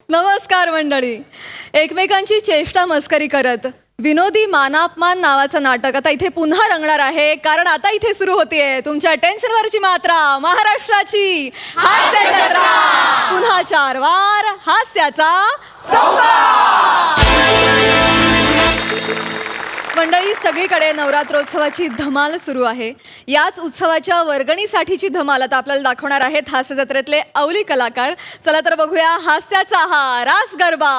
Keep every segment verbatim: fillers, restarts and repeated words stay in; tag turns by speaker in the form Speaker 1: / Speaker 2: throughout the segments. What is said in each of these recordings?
Speaker 1: नमस्कार मंडळी. एकमेकांची चेष्टा मस्करी करत विनोदी मानापमान नावाचं नाटक आता इथे पुन्हा रंगणार आहे. कारण आता इथे सुरू होतीये तुमच्या टेन्शनवरची मात्रा, महाराष्ट्राची हास्य जत्रा. पुन्हा चार वार हास्याचा संवाद. मंडळी, सगळीकडे नवरात्रोत्सवाची धमाल सुरू आहे. याच उत्सवाच्या वर्गणीसाठीची धमाल आता आपल्याला दाखवणार आहेत हास्य जत्रेतले अवली कलाकार. चला तर बघूया हास्याचा हा रास गरबा.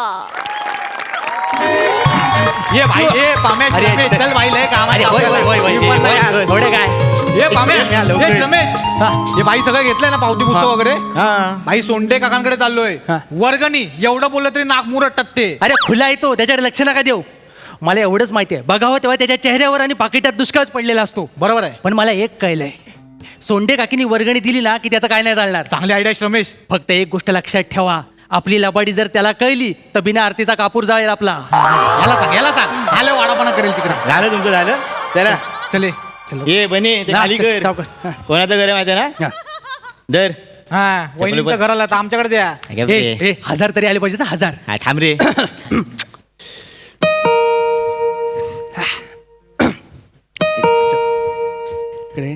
Speaker 2: ये भाई ये पामे रमेश चल भाई लय काम आहे.
Speaker 3: थोडे काय
Speaker 2: ये पामे ये रमेश हे भाई सगळं घेतलंय ना पावती पुस्तक वगैरे. भाई सोंडे काकांकडे चाललोय. वर्गणी एवढं बोललं तरी नाक मुरट टकते.
Speaker 3: अरे खुला येतो त्याच्याकडे लक्ष नका देऊ. मला एवढंच माहिती आहे, बघावं तेव्हा त्याच्या चेहऱ्यावर आणि पाकिटात दुष्काळच पडलेला असतो.
Speaker 2: बरोबर आहे.
Speaker 3: पण मला एक कळलंय, सोंडे काकीनी वर्गणी दिली ना की त्याचं काय नाही चालणार.
Speaker 2: चांगली आयडिया रमेश.
Speaker 3: फक्त एक गोष्ट लक्षात ठेवा, आपली लबाडी जर त्याला कळली तर बिना आरतीचा कापूर जाळेल आपला.
Speaker 2: याला सांग याला सांग आलं वाडापणा करेल तिकडे.
Speaker 4: झालं तुमचं झालं. चला
Speaker 2: चले
Speaker 4: ये बनी ते खाली कर.
Speaker 3: सावकाश.
Speaker 4: कोणाचं घर आहे माहिती आहे ना.
Speaker 3: हा.
Speaker 4: दर
Speaker 2: हा वहिनीच्या घराला तर आमच्याकडे द्या.
Speaker 3: ए, ए, हजार तरी आले पाहिजे ना, हजार.
Speaker 4: हा थांब रे.
Speaker 3: इकडे.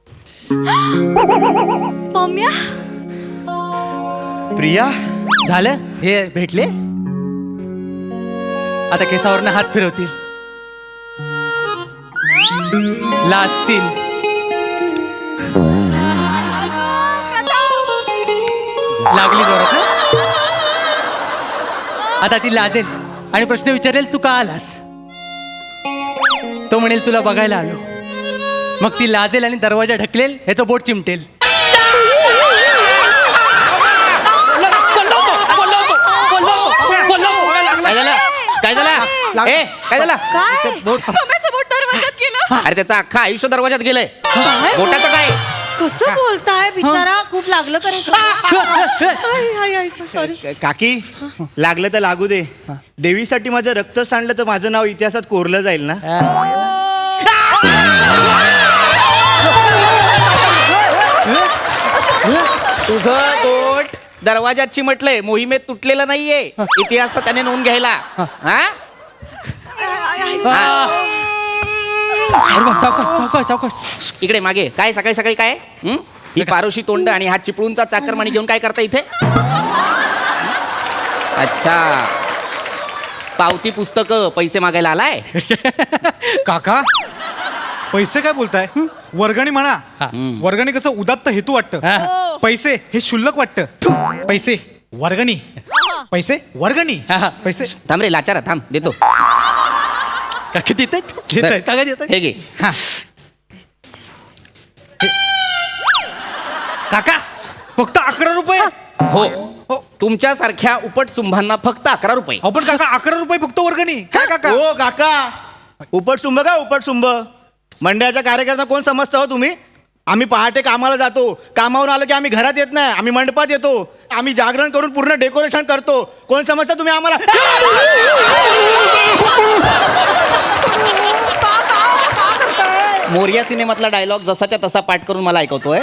Speaker 1: पम्या,
Speaker 4: प्रिया
Speaker 3: झालं हे भेटले. आता केसावरनं हात फिरवतील, लाजतील. लागली जोरात ना? आता ती लाजेल आणि प्रश्न विचारेल, तू का आलास. तो म्हणेल तुला बघायला आलो. मग ती लाजेल आणि दरवाजा ढकलेल, ह्याचं बोट चिमटेल.
Speaker 4: काय झालं काय झालं ए काय झालं.
Speaker 1: पम्याचं बोट दरवाजात गेलं.
Speaker 4: अरे त्याचं अख्खा आयुष्य दरवाजात गेलंय. बोटाचं काय.
Speaker 5: कसं बोलताय बिचारा, खूप लागलं करायचं. सॉरी
Speaker 4: काकी, लागलं तर लागू दे. देवीसाठी माझं रक्त सांडलं तर माझं नाव इतिहासात कोरलं जाईल ना. तुझं बोट दरवाजात चिमटलंय, मोहिमेत तुटलेलं नाहीये. इतिहासात त्याने नोंद घ्यायला. हा
Speaker 3: सावकाश सावकाश सावकाश.
Speaker 4: इकडे मागे काय सकाळी सकाळी काय हं? ही पारोशी तोंड आणि हा चिपळूणचा चाकरमानी घेऊन काय करता इथे. अच्छा, पावती पुस्तक पैसे मागायला आलाय.
Speaker 2: काका पैसे काय बोलताय. वर्गणी म्हणा. वर्गणी कसं उदात्त हेतू वाटतं. पैसे हे शुल्लक वाटतं. पैसे वर्गणी, पैसे वर्गणी, पैसे.
Speaker 4: थांब रे लाचारा, थांब देतो.
Speaker 3: काका देत
Speaker 2: घेतायत.
Speaker 3: काका देत.
Speaker 4: हे घे.
Speaker 2: हा काका फक्त अकरा रुपये.
Speaker 4: हो, तुमच्यासारख्या उपट सुंभांना फक्त अकरा रुपये.
Speaker 2: आपण काका अकरा रुपये फक्त वर्गणी. काय काका.
Speaker 4: हो काका, उपटसुंभ का उपटसुंभ. मंडळाच्या कार्यकर्ता कोण समजता हो तुम्ही. आम्ही पहाटे कामाला जातो, कामावरून आलो की आम्ही घरात येत नाही, आम्ही मंडपात येतो. आम्ही जागरण करून पूर्ण डेकोरेशन करतो. कोण समजता तुम्ही आम्हाला. मोरिया सिनेमातला डायलॉग जसाच्या तसा पाठ करून मला ऐकवतोय.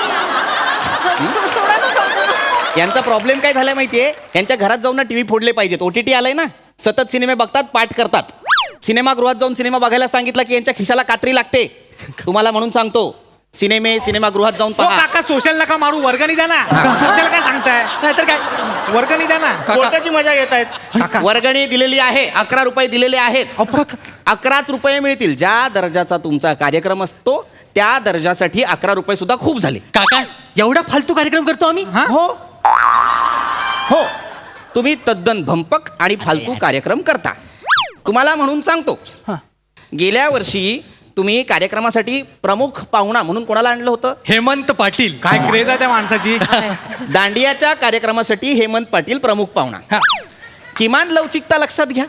Speaker 4: यांचा प्रॉब्लेम काय झालाय माहितीये, यांच्या घरात जाऊन ना टीव्ही फोडले पाहिजेत. ओटीटी आलाय ना, सतत सिनेमे बघतात, पाठ करतात. सिनेमागृहात जाऊन सिनेमा बघायला सांगितलं की यांच्या खिशाला कात्री लागते. तुम्हाला म्हणून सांगतो, सिनेमे सिनेमागृहात जाऊन
Speaker 2: हो
Speaker 4: पहा.
Speaker 2: काका सोशल नका मारू, वर्गणी द्या ना. सोशल काय सांगताय.
Speaker 3: नाहीतर काय.
Speaker 2: वर्गणी द्या ना.
Speaker 4: कोर्टाची मजा घेत आहेत. वर्गणी दिलेली आहे, अकरा रुपये दिलेले आहेत. अकराच रुपये मिळतील. ज्या दर्जाचा तुमचा कार्यक्रम असतो त्या दर्जासाठी अकरा रुपये सुद्धा खूप झाले.
Speaker 3: काका एवढा फालतू कार्यक्रम करतो आम्ही.
Speaker 4: हो हो, तुम्ही तद्दन भंपक आणि फालतू कार्यक्रम करता. तुम्हाला म्हणून सांगतो, गेल्या वर्षी तुम्ही कार्यक्रमासाठी प्रमुख पाहुणा म्हणून कोणाला आणलं होतं.
Speaker 3: हेमंत पाटील.
Speaker 2: काय क्रेज आहे त्या माणसाची.
Speaker 4: दांडियाच्या कार्यक्रमासाठी हेमंत पाटील प्रमुख पाहुणा.
Speaker 3: हा.
Speaker 4: किमान लवचिकता लक्षात घ्या.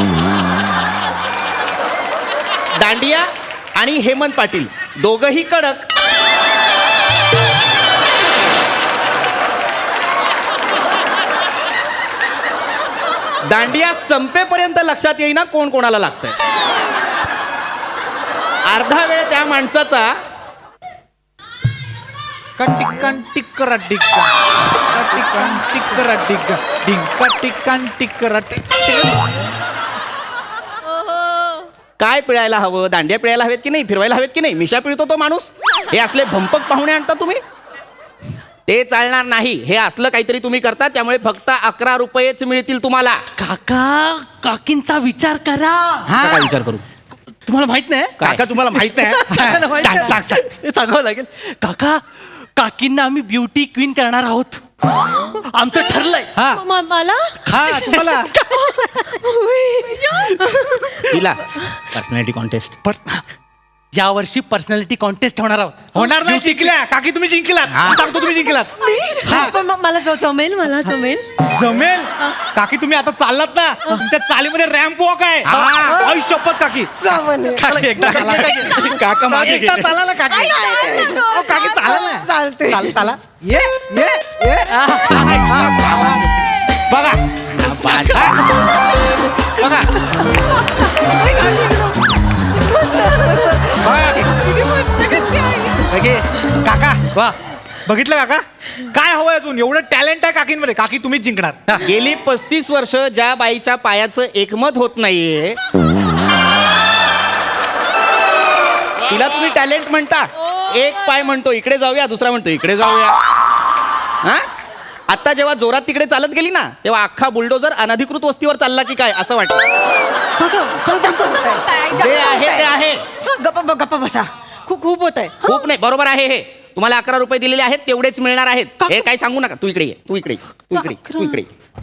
Speaker 4: दांडिया आणि हेमंत पाटील दोघही कडक. दांडिया संपेपर्यंत लक्षात येईना कोण कोणाला लागतंय. अर्धा वेळ त्या माणसाचा
Speaker 2: डिंका टिक्कान टिक्करा डिक्का टिक्कान टिक्करा डिक्का डिंका टिक्कान टिक्करा टिक्का.
Speaker 4: काय पिळायला हवं? दांड्या पिळायला हवेत की नाही? फिरवायला हवेत की नाही? मिशा पिळतो तो माणूस. हे असले भंपक पाहुणे आणता तुम्ही, ते चालणार नाही. हे असलं काहीतरी तुम्ही करता, त्यामुळे फक्त अकरा रुपयेच मिळतील तुम्हाला.
Speaker 3: काका काकींचा विचार करा.
Speaker 4: काय विचार करू?
Speaker 3: तुम्हाला माहित नाही
Speaker 4: काय?
Speaker 2: काका तुम्हाला माहित नाही
Speaker 3: काकांना माहित
Speaker 2: सांग,
Speaker 3: नाही.
Speaker 2: सांग, सांग.
Speaker 3: हे सांगावं लागेल. काका काकींना आम्ही ब्युटी क्वीन करणार आहोत. आमचं ठरलंय.
Speaker 2: हा
Speaker 5: म- मला
Speaker 2: हा तुम्हाला
Speaker 4: तिला
Speaker 2: पर्सनॅलिटी कॉन्टेस्ट
Speaker 3: या वर्षी पर्सनॅलिटी कॉन्टेस्ट होणार आहोत.
Speaker 2: होणार नाही. जिंकल्या काकी, तुम्ही जिंकलात. सांगतो तुम्ही जिंकलात.
Speaker 5: पण म- मला ज- जमेल मला जमेल.
Speaker 2: जमेल काकी. तुम्ही आता चाललात ना, त्या चालीमध्ये रॅम्प वॉक आहे. आई शपथ काकी. काकी, एकदा चाला. काका मागे
Speaker 5: एकदा
Speaker 2: गेले.
Speaker 5: चाला ना, काकी.
Speaker 2: अहो, काकी चाला ना.
Speaker 5: चालते
Speaker 2: चाल चाला. ये ये ये बघा बघा काका
Speaker 3: वा
Speaker 2: बघितलं काका, काय हवंय अजून? एवढं टॅलेंट आहे काकींमध्ये. काकी तुम्हीच जिंकणार.
Speaker 4: गेली पस्तीस वर्ष ज्या बाईच्या पायाचं एकमत होत नाहीये, तिला तुम्ही टॅलेंट म्हणता. एक पाय म्हणतो इकडे जाऊया, दुसरा म्हणतो इकडे जाऊया. हा आता जेव्हा जोरात तिकडे चालत गेली ना, तेव्हा अख्खा बुलडोजर अनधिकृत वस्तीवर चालला की काय असं वाटतं. जे आहे ते आहे.
Speaker 5: गप्पा ब- गप्पा बसा. खूप खूप होत आहे.
Speaker 4: खूप नाही, बरोबर आहे हे. तुम्हाला अकरा रुपये दिलेले आहेत, तेवढेच मिळणार आहेत. हे काही सांगू नका. तू इकडे ये, तू इकडे ये, तू इकडे ये, तू इकडे ये.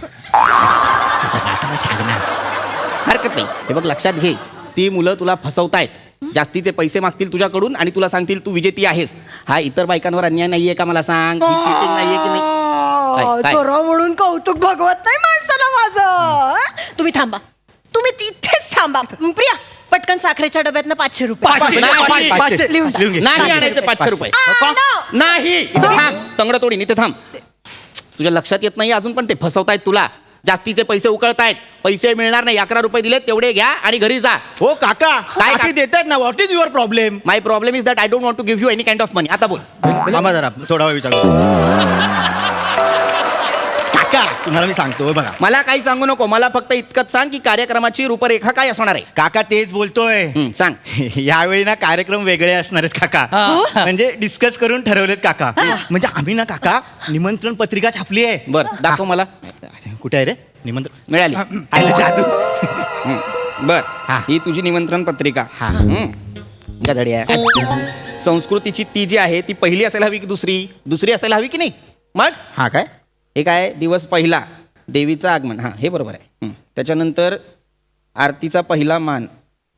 Speaker 4: हरकत नाही. हे बघ, लक्षात घे, ती मुलं तुला फसवतायत. जास्तीचे पैसे मागतील तुझ्याकडून आणि तुला सांगतील तू विजेती आहेस. हा इतर बायकांवर अन्याय नाहीये का? मला सांग. चिटिंग नाहीये की नाही? काय- काय?
Speaker 5: चोरा म्हणून कौतुक भगवत नाही माणसाला माझं. हं? तुम्ही थांबा, तुम्ही तिथेच थांबा. प्रिया, पटकन साखरेच्या डब्यातनं पाचशे रुपये.
Speaker 2: पाचशे,
Speaker 4: नाही,
Speaker 2: पाचशे, पाचशे.
Speaker 5: लिहून जा.
Speaker 2: लिहून घे.
Speaker 4: नाही आणायचे पाचशे रुपये.
Speaker 5: आणा.
Speaker 4: नाही, इथे थांब. तंगड तोडीन, इथे थांब. तुझ्या लक्षात येत नाही अजून, पण ते फसवतायत तुला. जास्तीचे पैसे उकळतायत. पैसे मिळणार नाही. अकरा रुपये दिले तेवढे घ्या आणि घरी जा.
Speaker 2: हो काका,
Speaker 4: काय
Speaker 2: काकी देतात ना. What is your problem?
Speaker 4: My problem is that I don't want to give you any kind of money. आता बोल.
Speaker 2: थांबा जरा, थोडा वेळ विचार काका. तुम्हाला मी सांगतो बघा.
Speaker 4: मला काही सांगू नको. मला फक्त इतकंच सांग की कार्यक्रमाची रूपरेखा काय असणार आहे.
Speaker 2: काका तेच बोलतोय.
Speaker 4: हं, सांग.
Speaker 2: यावेळी ना कार्यक्रम वेगळे असणार आहेत काका.
Speaker 3: हा.
Speaker 2: म्हणजे डिस्कस करून ठरवलेत काका. म्हणजे आम्ही ना काका निमंत्रण पत्रिका छापली आहे.
Speaker 4: बर दाखव मला.
Speaker 2: कुठे आहे रे निमंत्रण?
Speaker 4: मिळाली.
Speaker 2: आयला जादू.
Speaker 4: हं, बर
Speaker 2: हा.
Speaker 4: ही तुझी निमंत्रण पत्रिका.
Speaker 2: हा.
Speaker 4: हं. गधडी आहे. संस्कृतीची ती जी आहे ती पहिली असायला हवी की दुसरी? दुसरी असायला हवी की नाही? मग
Speaker 2: हा काय?
Speaker 4: हे काय? दिवस पहिला, देवीचं आगमन. हा हे बरोबर आहे. हं. त्याच्यानंतर आरतीचा पहिला मान.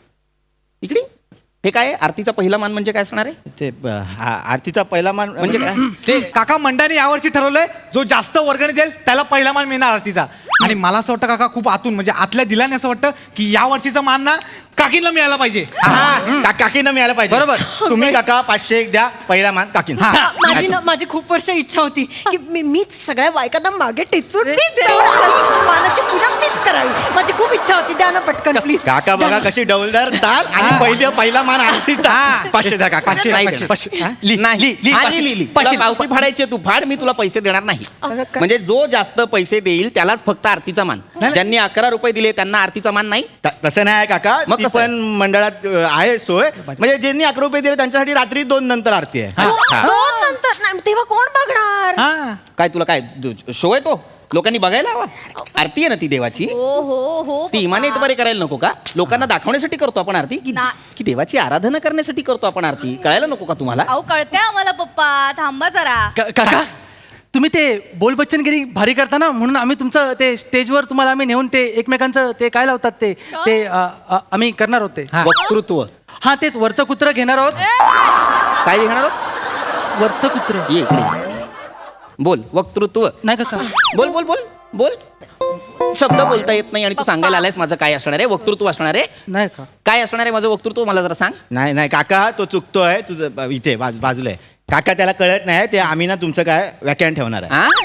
Speaker 4: इकडे हे काय? आरतीचा पहिला मान म्हणजे काय असणार आहे?
Speaker 2: ते ब- आ- आरतीचा पहिला मान
Speaker 4: म्हणजे काय?
Speaker 2: ते काका मंडळाने यावर्षी ठरवलंय, जो जास्त वर्गणी देईल त्याला पहिला मान मिळणार आरतीचा. आणि मला असं वाटतं काका, खूप आतून म्हणजे आतल्या दिलाने असं वाटतं की या वर्षीचा मान ना काकींना मिळायला पाहिजे. हा, का- काकींना मिळायला पाहिजे.
Speaker 3: बरोबर.
Speaker 2: तुम्ही काका पाचशे एक द्या, पहिला मान काकींना. हा.
Speaker 5: माझी ना माझी खूप वर्ष इच्छा होती की मी मीच सगळ्या बायकांना मागे टेचून मीच जाऊन मानाची पूजा मीच करावी. माझी खूप इच्छा होती. द्या ना पटकन प्लीज.
Speaker 2: काका बघा कशी डौलदार ताल आणि पहिला पहिला मान आरतीचा. पाचशे द्या काका.
Speaker 3: पाचशे,
Speaker 4: नाही
Speaker 3: पाचशे,
Speaker 4: देणार.
Speaker 3: पाचशे. हा?
Speaker 4: नाही
Speaker 3: लिह, लिह, लिह,
Speaker 4: हा,
Speaker 3: पाचशे.
Speaker 4: लिह, लिह, लिह.
Speaker 3: पाचशे.
Speaker 4: तुला पावती फाडायची आहे, तू फाड. मी तुला पैसे देणार नाही.
Speaker 5: अगं, काय?
Speaker 4: म्हणजे जो जास्त पैसे देईल त्यालाच फक्त आरतीचा मान. ज्यांनी अकरा रुपये दिले त्यांना आरतीचा मान नाही.
Speaker 2: त- तसं नाही काका.
Speaker 4: मग
Speaker 2: ती
Speaker 4: कसं आहे?
Speaker 2: पण मंडळात अ, आहे सोय. म्हणजे ज्यांनी अकरा रुपये दिले त्यांच्यासाठी रात्री दोन नंतर आरती आहे.
Speaker 3: हा, हा.
Speaker 5: दोन नंतर नाही, तेव्हा कोण बघणार?
Speaker 2: हा.
Speaker 4: काय तुला काय शो आहे तो? लोकांनी बघायला हवा. आरती आहे ना ती देवाची.
Speaker 1: हो हो हो
Speaker 4: ती इमाने बरे करायला नको का? लोकांना दाखवण्यासाठी करतो आपण आरती की
Speaker 1: ना-
Speaker 4: की देवाची आराधना करण्यासाठी करतो आपण आरती? कळायला नको का तुम्हाला?
Speaker 1: अहो कळते आम्हाला पप्पा. थांबा जरा.
Speaker 3: का- काका तुम्ही ते बोल बच्चनगिरी भारी करता ना, म्हणून आम्ही तुमचं ते स्टेजवर तुम्हाला आम्ही नेऊन ते एकमेकांचं ते काय लावतात ते ते अ, अ, आम्ही करणार होते.
Speaker 4: वक्तृत्व.
Speaker 3: हा तेच वरचं कुत्र घेणार आहोत.
Speaker 4: काय घेणार आहोत?
Speaker 3: वरचं कुत्र
Speaker 4: ये इकडे. बोल वक्तृत्व.
Speaker 3: नाही काका.
Speaker 4: बोल बोल बोल बोल. शब्द बोलता येत नाही आणि तू सांगायला आलायस माझं काय असणार आहे? वक्तृत्व असणार आहे.
Speaker 3: नाही का?
Speaker 4: काय असणार आहे माझं वक्तृत्व? मला जरा सांग.
Speaker 2: नाही नाही काका, तो चुकतोय. तुझं ब- इथे बाज- बाजूला आहे काका. त्याला कळत नाही. ते आम्ही ना तुमचं काय व्याख्यान ठेवणार आहे.
Speaker 4: हा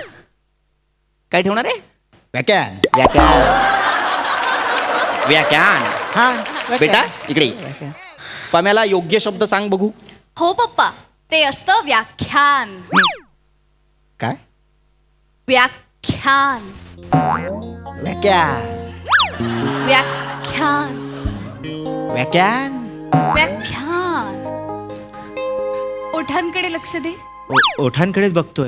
Speaker 4: काय ठेवणार आहे?
Speaker 2: व्याख्यान.
Speaker 4: व्याख्यान. व्याख्यान.
Speaker 2: हा
Speaker 4: बेटा इकडे ये. पम्याला योग्य शब्द सांग बघू.
Speaker 1: हो पप्पा. ते असतं व्याख्यान.
Speaker 4: काय
Speaker 1: व्याख्यान.
Speaker 4: व्याख्यान
Speaker 1: व्याख्यान.
Speaker 4: व्याख्यान
Speaker 1: व्याख्यान. ओठांकडे लक्ष दे.
Speaker 4: ओठांकडेच बघतोय.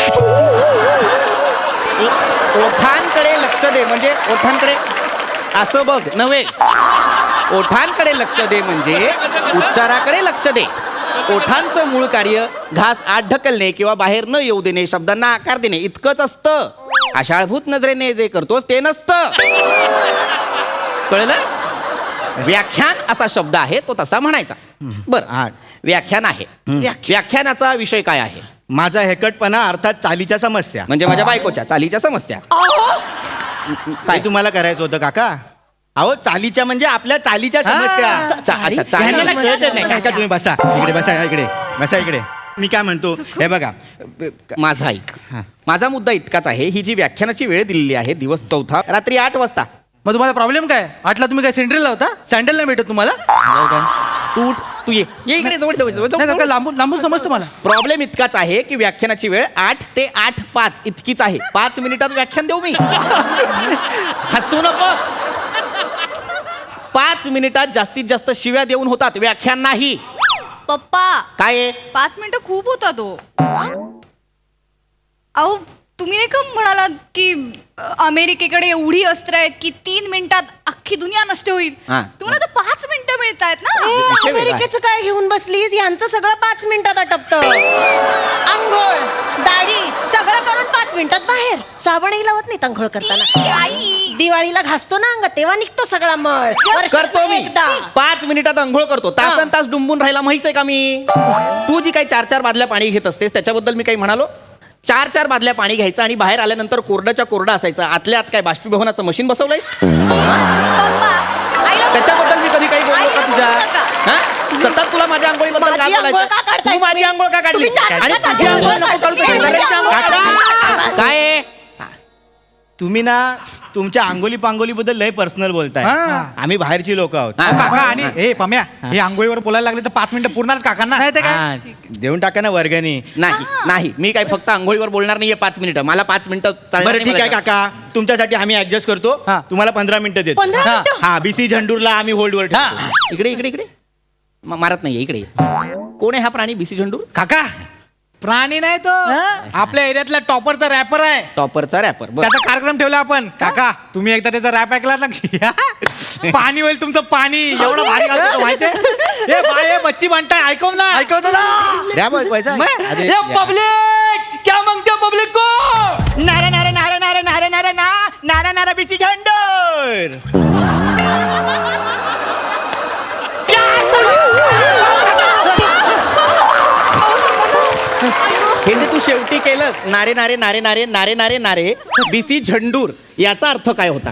Speaker 4: ओठांकडे लक्ष दे म्हणजे ओठांकडे असं बघ नव्हे. ओठांकडे लक्ष दे म्हणजे उच्चाराकडे लक्ष दे. ओठांचं मूळ कार्य घास आत ढकलणे किंवा बाहेर न येऊ देणे, शब्दांना आकार देणे इतकंच असतं. आशाळभूत नजरेने जे करतोस ते नसतं. कळलं? व्याख्यान असा शब्द आहे तो तसा म्हणायचा. बर व्याख्यान आहे. व्याख्यानाचा विषय काय आहे?
Speaker 6: माझा हेकटपणा अर्थात चालीच्या समस्या.
Speaker 4: म्हणजे माझ्या बायकोच्या चालीच्या समस्या.
Speaker 6: काय तुम्हाला करायचं होतं काका? अहो चालीच्या म्हणजे आपल्या चालीच्या समस्या.
Speaker 4: चा- अच्छा, चाली-
Speaker 6: ह्यांना कळतच नाही. काका तुम्ही बसा इकडे, बसा इकडे, बसा इकडे. मी काय म्हणतो हे बघा,
Speaker 4: माझा ऐक.
Speaker 6: हा.
Speaker 4: माझा मुद्दा इतकाच आहे, ही जी व्याख्यानाची वेळ दिलेली आहे दिवस चौथा रात्री आठ वाजता.
Speaker 3: मग तुम्हाला प्रॉब्लेम काय? आठला तुम्ही काय सेंट्रल होता? सँडल नाही भेटत तुम्हाला?
Speaker 4: तू उठ, तू ये ये इकडे जवळ जवळ जवळ
Speaker 3: नाही काका,
Speaker 4: जवळ.
Speaker 3: लांबून लांबून समजतं मला.
Speaker 4: प्रॉब्लेम इतकाच आहे की व्याख्यानाची वेळ आठ ते आठ पाच इतकीच आहे. पाच मिनिटात व्याख्यान देऊ मी? हसू नकोस. पाच मिनिटात जास्तीत जास्त शिव्या देऊन होतात, व्याख्यान नाही.
Speaker 1: पप्पा
Speaker 4: काय आहे?
Speaker 1: पाच मिनिटं खूप होता तो. अहो तुम्ही नाही का म्हणालात की अ, अमेरिकेकडे एवढी अस्त्र आहेत की तीन मिनिटात अख्खी दुनिया नष्ट होईल.
Speaker 4: हा.
Speaker 1: तुम्हाला तर पाच मिनिटं मिळत आहेत ना.
Speaker 5: ए,
Speaker 4: विषय वेगळा आहे.
Speaker 5: अमेरिकेचं काय घेऊन बसलीस? यांचं सगळं पाच मिनिटात आटपतं. आंघोळ दाढी सगळं करून पाच मिनिटात बाहेर. साबणही लावत नाही आंघोळ करताना.
Speaker 1: ई, आई
Speaker 5: दिवाळीला घासतो ना अंग तेव्हा निघतो सगळा मळ. वर्षातनं
Speaker 4: करतो मी
Speaker 5: एकदा.
Speaker 4: पाच मिनिटात अंघोळ करतो. तासन तास डुंबून राहायला माहित आहे का मी? तू जी काही चार चार बादल्या पाणी घेत असतेस त्याच्याबद्दल मी काही म्हणालो? चार चार बादल्या पाणी घ्यायचं आणि बाहेर आल्यानंतर कोरड्याच्या कोरडा असायचं. आतल्या आत काय बाष्पीभवनाचं मशीन बसवलंयस?
Speaker 1: पप्पा आईला
Speaker 4: त्याच्याबद्दल मी कधी काही बोललो का
Speaker 1: आईला
Speaker 4: तुझ्या?
Speaker 1: बोलू नका.
Speaker 4: हा? सतत तुला माझ्या आंघोळीबद्दल काय
Speaker 5: माझी आंघोळ
Speaker 4: बोलायचं?
Speaker 5: का काढताय
Speaker 4: तू माझी
Speaker 5: तुम्ही?
Speaker 4: आंघोळ का काढली?
Speaker 5: तुम्ही चालत
Speaker 4: आणि
Speaker 5: का
Speaker 4: तुझी
Speaker 5: माझी
Speaker 4: आंघोळ
Speaker 5: आंघोळ
Speaker 4: नको काढू,
Speaker 5: काढताय?
Speaker 4: तुझी
Speaker 5: माझी
Speaker 4: आंघोळ
Speaker 5: आंघोळ
Speaker 4: काढताय.
Speaker 5: काढताय.
Speaker 4: काय आहे?
Speaker 6: तुम्ही ना तुमच्या अंगोली पांगोली बद्दल लय पर्सनल बोलताय.
Speaker 3: हा.
Speaker 6: आम्ही बाहेरची लोक आहोत.
Speaker 4: हा.
Speaker 2: अहो, काका आणि हे पम्या हे आंघोळीवर बोलायला लागले तर पाच मिनिटं पूर्ण काकांना.
Speaker 3: नाही ते काय?
Speaker 6: हा, देऊन टाका ना वर्गणी.
Speaker 4: नाही नाही मी काही फक्त आंघोळीवर बोलणार नाहीये पाच मिनिटं. मला पाच मिनिटं चालणार
Speaker 6: बरं
Speaker 4: नाही
Speaker 6: ठीक आहे
Speaker 4: मला.
Speaker 6: काका, तुमच्यासाठी आम्ही ऍडजस्ट करतो.
Speaker 3: हा.
Speaker 6: तुम्हाला पंधरा मिनिटं देतो.
Speaker 5: पंधरा
Speaker 3: हा.
Speaker 5: मिनिटं
Speaker 6: हा बीसी झंडूरला आम्ही होल्डवर ठेवतो.
Speaker 3: हा.
Speaker 4: इकडे इकडे इकडे म- मारत नाहीये इकडे. कोण आहे हा प्राणी बीसी झंडूर?
Speaker 2: काका प्राणी नाही तो, आपल्या एरियातला टॉपरचा रॅपर आहे.
Speaker 4: टॉपरचा रॅपर.
Speaker 2: त्याचा कार्यक्रम ठेवला आपण. काका तुम्ही एकदा त्याचा रॅप ऐकला ना की पाणी होईल तुमचं पाणी. एवढं भारी घालतो तो माहितीये. हे बाय हे बच्ची म्हणताय ऐकव ना.
Speaker 3: ऐकवतो ना.
Speaker 6: रॅप ऐकवायचा? अरे,
Speaker 3: ये पब्लिक क्या मांगते पब्लिक को?
Speaker 6: नारे नारे नारे नारे नारे नारे ना नारा नारा बीसी झंडूर.
Speaker 4: हे जे तू शेवटी केलंस नारे नारे नारे नारे नारे नारे नारे बीसी झंडूर याचा अर्थ काय होता?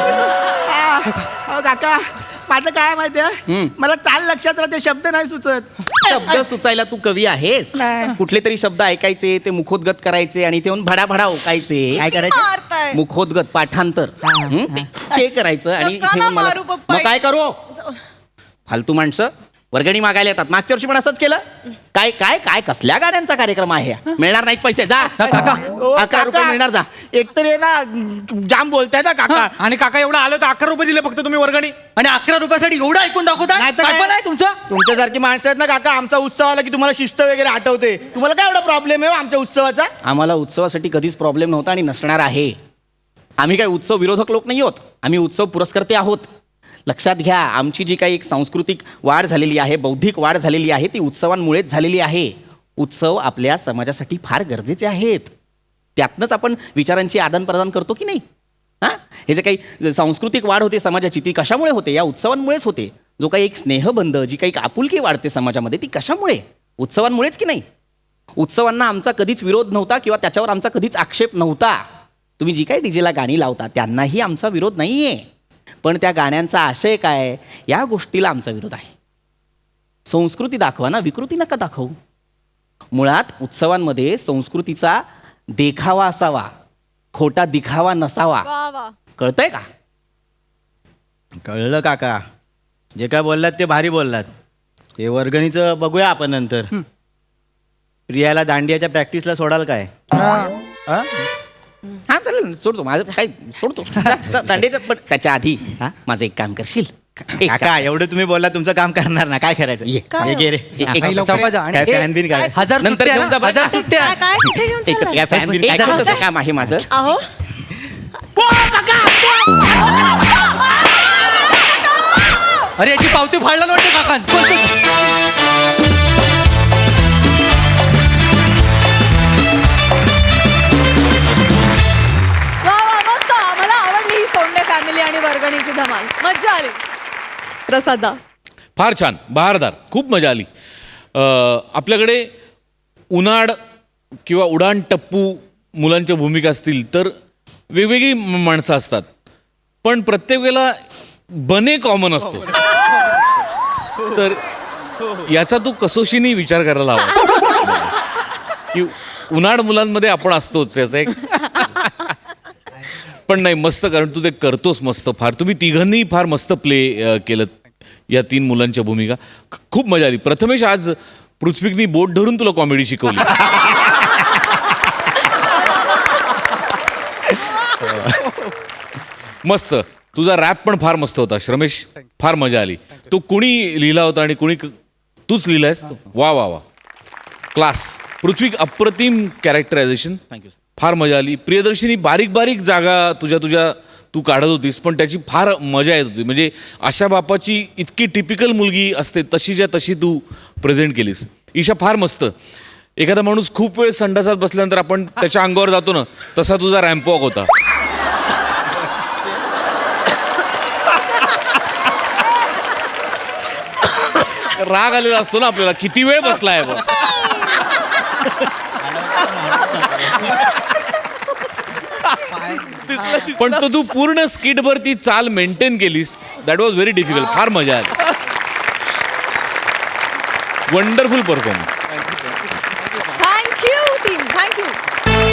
Speaker 6: अहो, काका माझं काय माहितीये,
Speaker 4: हम्म.
Speaker 6: मला चाल लक्षात राहते, शब्द नाही सुचत.
Speaker 4: शब्द सुचायला तू कवी आहेस?
Speaker 6: नाही.
Speaker 4: कुठले तरी शब्द ऐकायचे ते मुखोद्गत करायचे आणि ते येऊन भडाभडा ओकायचे.
Speaker 6: काय करायचं?
Speaker 1: मारताय.
Speaker 4: मुखोद्गत पाठांतर हं? ते- ते करायचं आणि
Speaker 1: नका ना
Speaker 4: हे मला-
Speaker 1: मारू पप्पा.
Speaker 4: मग काय करू? फालतू माणसं वर्गणी मागायला येतात. मागच्या वर्षी पण असंच केलं. काय काय काय कसल्या गाड्यांचा कार्यक्रम आहे हा? मिळणार नाहीत पैसे जा.
Speaker 3: काका.
Speaker 6: ओ,
Speaker 4: अकरा रुपये
Speaker 6: काका,
Speaker 4: मिळणार जा.
Speaker 6: एकतर हे ना जाम बोलताय ना काका.
Speaker 2: आणि काका एवढं आलं तर अकरा रुपये दिले फक्त तुम्ही वर्गणी.
Speaker 3: आणि अकरा रुपयासाठी एवढं ऐकून दाखवता?
Speaker 6: नाही तर
Speaker 3: काय
Speaker 6: काय?
Speaker 3: पण आहे तुमचं?
Speaker 6: तुमच्यासारखी माणसं आहेत ना काका, आमचा उत्सव आला की तुम्हाला शिस्त वगैरे आठवते. तुम्हाला काय एवढा प्रॉब्लेम आहे हो आमच्या उत्सवाचा?
Speaker 4: आम्हाला उत्सवासाठी कधीच प्रॉब्लेम नव्हता आणि नसणार आहे. आम्ही काही उत्सव विरोधक लोक नाही आहोत. आम्ही उत्सव पुरस्कर्ते आहोत. लक्षात घ्या, आमची जी काही एक सांस्कृतिक वाढ झालेली आहे, बौद्धिक वाढ झालेली आहे ती उत्सवांमुळेच झालेली आहे. उत्सव आपल्या समाजासाठी फार गरजेचे आहेत. त्यातनंच आपण विचारांची आदानप्रदान करतो की नाही? हां, हे जे काही सांस्कृतिक वाढ होते समाजाची ती कशामुळे होते? या उत्सवांमुळेच होते. जो काही एक स्नेहबंध, जी काही आपुलकी वाढते समाजामध्ये ती कशामुळे? उत्सवांमुळेच की नाही? उत्सवांना आमचा कधीच विरोध नव्हता किंवा त्याच्यावर आमचा कधीच आक्षेप नव्हता. तुम्ही जी काही डीजेला गाणी लावता त्यांनाही आमचा विरोध नाही आहे. पण त्या गाण्यांचा आशय काय या गोष्टीला आमचा विरोध आहे. संस्कृती दाखवा ना, विकृती नका दाखवू. मुळात उत्सवांमध्ये संस्कृतीचा देखावा असावा, खोटा दिखावा नसावा.
Speaker 1: वा वा.
Speaker 4: कळतंय का?
Speaker 6: कळलं काका, जे काय बोललात ते भारी बोललात. हे वर्गणीचं बघूया आपण नंतर. प्रियाला दांडियाच्या प्रॅक्टिसला सोडाल काय
Speaker 4: हा चालेल ना, सोडतो माझं काय सोडतो जा, जा, दांडेचं पण त्याच्या आधी हा माझं एक काम करशील एक
Speaker 6: काका एवढं तुम्ही बोलला तुमचं काम करणार ना काय करायचं
Speaker 4: ये.
Speaker 6: हे घे रे
Speaker 4: एक- एक-
Speaker 2: आई लवकर
Speaker 3: चौकाचा आणि
Speaker 6: काय
Speaker 3: ए,
Speaker 6: fan बिन काय?
Speaker 3: हजार
Speaker 4: नंतर
Speaker 3: सुट्ट्या
Speaker 4: घेऊन
Speaker 3: ना?
Speaker 4: जा बरं.
Speaker 3: हजार सुट्ट्या
Speaker 5: काय काय कुठे घेऊन
Speaker 4: एक-
Speaker 5: चाललाय?
Speaker 4: काय fan बिन
Speaker 3: एक
Speaker 4: काय
Speaker 3: जरा
Speaker 4: करतोस काम आहे माझं
Speaker 5: अहो
Speaker 3: अरे याची पावती फाडला ना वाटते काकान कोण ते?
Speaker 1: वा वा मस्त मला आवडली ही सोंडे फॅमिली आणि वर्गणीची धमाल मज्जा आली प्रसादा
Speaker 7: फार छान बहारदार खूप मजा आली अ, आपल्याकडे उन्हाळ किंवा उडाण टप्पू मुलांच्या भूमिका असतील तर वेगवेगळी म- माणसं असतात पण प्रत्येक वेळेला बने कॉमन असतो तर याचा तू कसोशीने विचार करायला हवा की उन्हाळ मुलांमध्ये आपण असतोच याचा एक पण नाही मस्त कारण तू ते करतोस मस्त फार तुम्ही तिघांनी फार मस्त प्ले केलं या तीन मुलांच्या भूमिका ख- खूप मजा आली प्रथमेश आज पृथ्वीकनी बोट धरून तुला कॉमेडी शिकवली मस्त तुझा रॅप पण फार मस्त होता श्रमेश फार मजा आली तो कुणी लिहिला होता आणि कुणी क- तूच लिहिलायस तो? वा वा वा क्लास पृथ्वी अप्रतिम कॅरेक्टरायझेशन थँक्यू फार मजा आली प्रियदर्शिनी बारीक बारीक जागा तुझ्या तुझ्या तू काढत होतीस पण त्याची फार मजा येत होती म्हणजे अशा बापाची इतकी टिपिकल मुलगी असते तशीच्या तशी तू प्रेझेंट केलीस ईशा फार मस्त एखादा माणूस खूप वेळ संडासात बसल्यानंतर आपण त्याच्या अंगावर जातो ना तसा तुझा रॅम्पवॉक होता राग आलेला असतो ना आपल्याला किती वेळ बसलाय बघ पण तो तू पूर्ण स्किटभर ती चाल मेंटेन केलीस दॅट वॉज व्हेरी डिफिकल्ट फार मजा आली wonderful performance
Speaker 1: thank you team thank you